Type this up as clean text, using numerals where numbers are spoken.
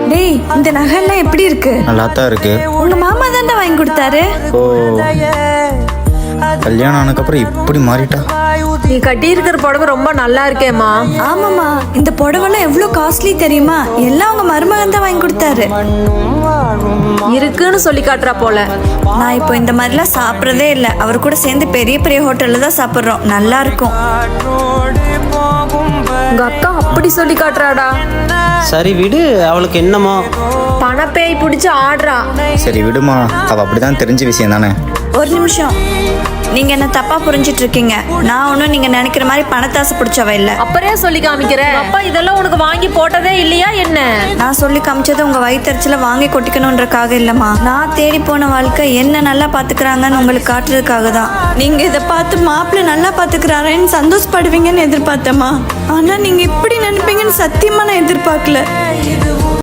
டேய், இந்த நகைலாம் எப்படி இருக்கு? நல்லா தான் இருக்கு. உங்க மாமா தானே வாங்கி கொடுத்தாரு. ஓ, கல்யாணம் ஆனதுக்கப்புறம் இப்படி மாறிட்டா. நீ கட்டி இருக்கிற புடவை ரொம்ப நல்லா இருக்கேம்மா. ஆமாமா, இந்த புடவைலாம் எவ்வளவு காஸ்ட்லி தெரியுமா? எல்லாம் உங்க மருமகன் தான் வாங்கி கொடுத்தாரு. இருக்குன்னு சொல்லி காட்டுறா போல. நான் இப்போ இந்த மாதிரிலாம் சாப்பிட்றதே இல்லை. அவர் கூட சேர்ந்து பெரிய பெரிய ஹோட்டல்ல தான் சாப்பிட்றோம். நல்லா இருக்கும். உங்க அக்கா அப்படி சொல்லி காட்டுறாடா. சரி விடு, அவளுக்கு என்னமோ. பணப்பேய் பிடிச்சி ஆடுறா. சரி விடுமா, அவ அப்படிதான் தெரிஞ்ச விஷயம் தானே. ஒரு நிமிஷம், நீங்க என்ன தப்பா புரிஞ்சிட்டு இருக்கீங்க. நான் ஒன்றும் நீங்க நினைக்கிற மாதிரி பணத்தாசை பிடிச்சவ இல்லை. அப்புறே சொல்லி காமிக்கிற. அப்பா இதெல்லாம் உனக்கு வாங்கி போட்டதே இல்லையா என்ன? நான் சொல்லி காமிச்சது உங்க வயிற்றுல வாங்கி கொட்டிக்கணுன்றக்காக இல்லம்மா. நான் தேடி போன வாழ்க்கை என்ன நல்லா பாத்துக்கிறாங்கன்னு உங்களுக்கு காட்டுறதுக்காக தான். நீங்க இதை பார்த்து மாப்பிள்ளை நல்லா பாத்துக்கிறாரேன்னு சந்தோஷப்படுவீங்கன்னு எதிர்பார்த்தேம்மா. ஆனா நீங்க இப்படி நினைப்பீங்கன்னு சத்தியமா நான் எதிர்பார்க்கல.